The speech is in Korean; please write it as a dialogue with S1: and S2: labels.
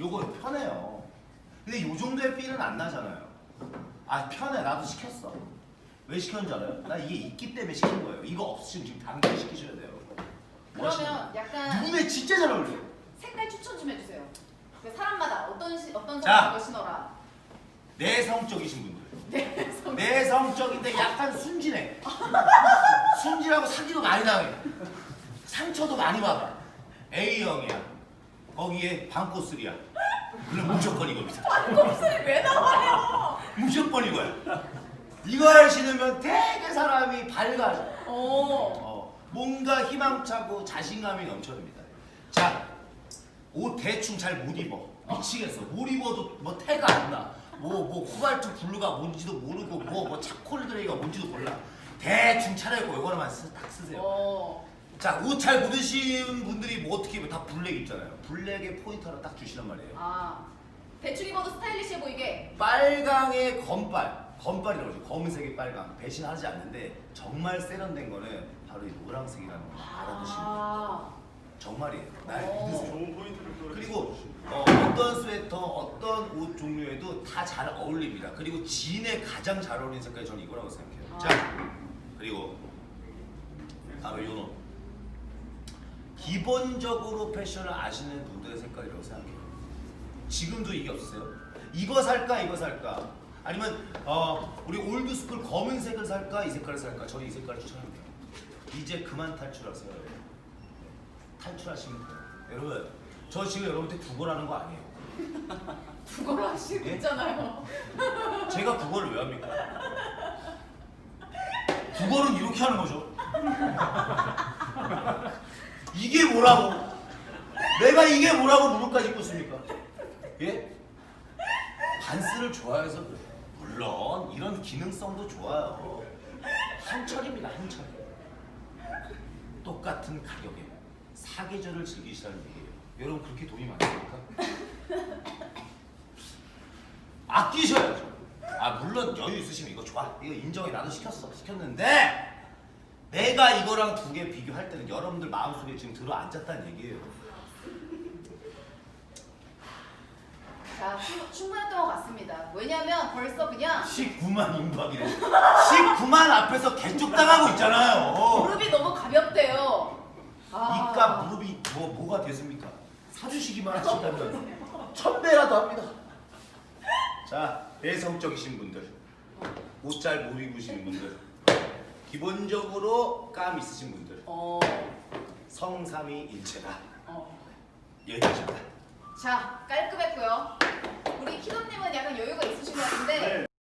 S1: 요거 편해요. 근데 요 정도의 삘은 안 나잖아요. 아 편해. 나도 시켰어. 왜 시켰는지 알아요? 나 이게 있기 때문에 시킨 거예요. 이거 없으면 지금 당장 시키셔야 돼요. 뭐
S2: 그러면 약간
S1: 눈에 진짜 잘 어울려요.
S2: 색깔 추천 좀 해주세요. 그 사람마다 어떤
S1: 자.
S2: 사람이 거 신어라.
S1: 내성적이신 분들.
S2: 네,
S1: 내성적인데 약간 순진해. 순진하고 사기도 많이 당해. 상처도 많이 받아. A형이야. 거기에 반코스리야. 그럼 무조건 이겁니다.
S2: 반곱슬이 왜 나와요?
S1: 무조건 이거야. 이걸 신으면 되게 사람이 밝아져. 뭔가 희망차고 자신감이 넘쳐납니다. 자, 옷 대충 잘 못 입어. 미치겠어. 못 입어도 뭐 태가 안 나. 뭐 코발트 블루가 뭔지도 모르고 뭐 차콜 그레이가 뭔지도 몰라. 대충 차려입고 요거만 딱 쓰세요. 자, 옷 잘 못 입으신 분들이 뭐 어떻게 입어요? 다 블랙 입잖아요. 블랙에 포인트 하나 딱 주시란 말이에요.
S2: 아, 대충 입어도 스타일리시해 보이게.
S1: 빨강의 건빨이라고 하죠. 검은색의 빨강. 배신하지 않는데 정말 세련된 거는 바로 이 노란색이라는 거 알아두시면 돼요. 정말이에요. 날 믿으세요.
S3: 좋은 포인트를
S1: 그리고 어떤 스웨터, 어떤 옷 종류에도 다 잘 어울립니다. 그리고 진에 가장 잘 어울리는 색깔이 저는 이거라고 생각해요. 자, 그리고 바로 요 옷. 기본적으로 패션을 아시는 분들의 색깔이라고 생각해요. 지금도 이게 없으세요? 이거 살까 이거 살까? 아니면 우리 올드스쿨 검은색을 살까 이 색깔을 살까? 저는 이 색깔을 추천합니다. 이제 그만 탈출하세요. 탈출하시면 돼요. 여러분, 저 지금 여러분한테 국어라는 거 아니에요.
S2: 국어로 하시고
S1: 예?
S2: 있잖아요.
S1: 제가 국어를 왜 합니까? 국어는 이렇게 하는 거죠. 이게 뭐라고? 내가 이게 뭐라고 무릎까지 꿇습니까? 예? 반스를 좋아해서 그래요. 물론 이런 기능성도 좋아요. 한철입니다, 한철. 똑같은 가격에 사계절을 즐기시라는 얘기예요. 여러분 그렇게 돈이 많습니까? 아끼셔야죠. 물론 여유 있으시면 이거 좋아. 이거 인정해. 나도 시켰는데 내가 이거랑 두 개 비교할 때는 여러분들 마음속에 지금 들어앉았다는 얘기예요.
S2: 자, 충분했던 것 같습니다. 왜냐면 벌써 그냥
S1: 19만 임박이래. 19만 앞에서 개쪽당하고 있잖아요.
S2: 무릎이 너무 가볍대요.
S1: 이깟 무릎이 뭐가 됐습니까? 사주시기만 하신다면 1000배라도 합니다. 자, 내성적이신 분들, 옷 잘 못 입으시는 분들, 기본적으로 감 있으신 분들, 성삼위 일체다. 여기까지입니다.
S2: 자, 깔끔했고요.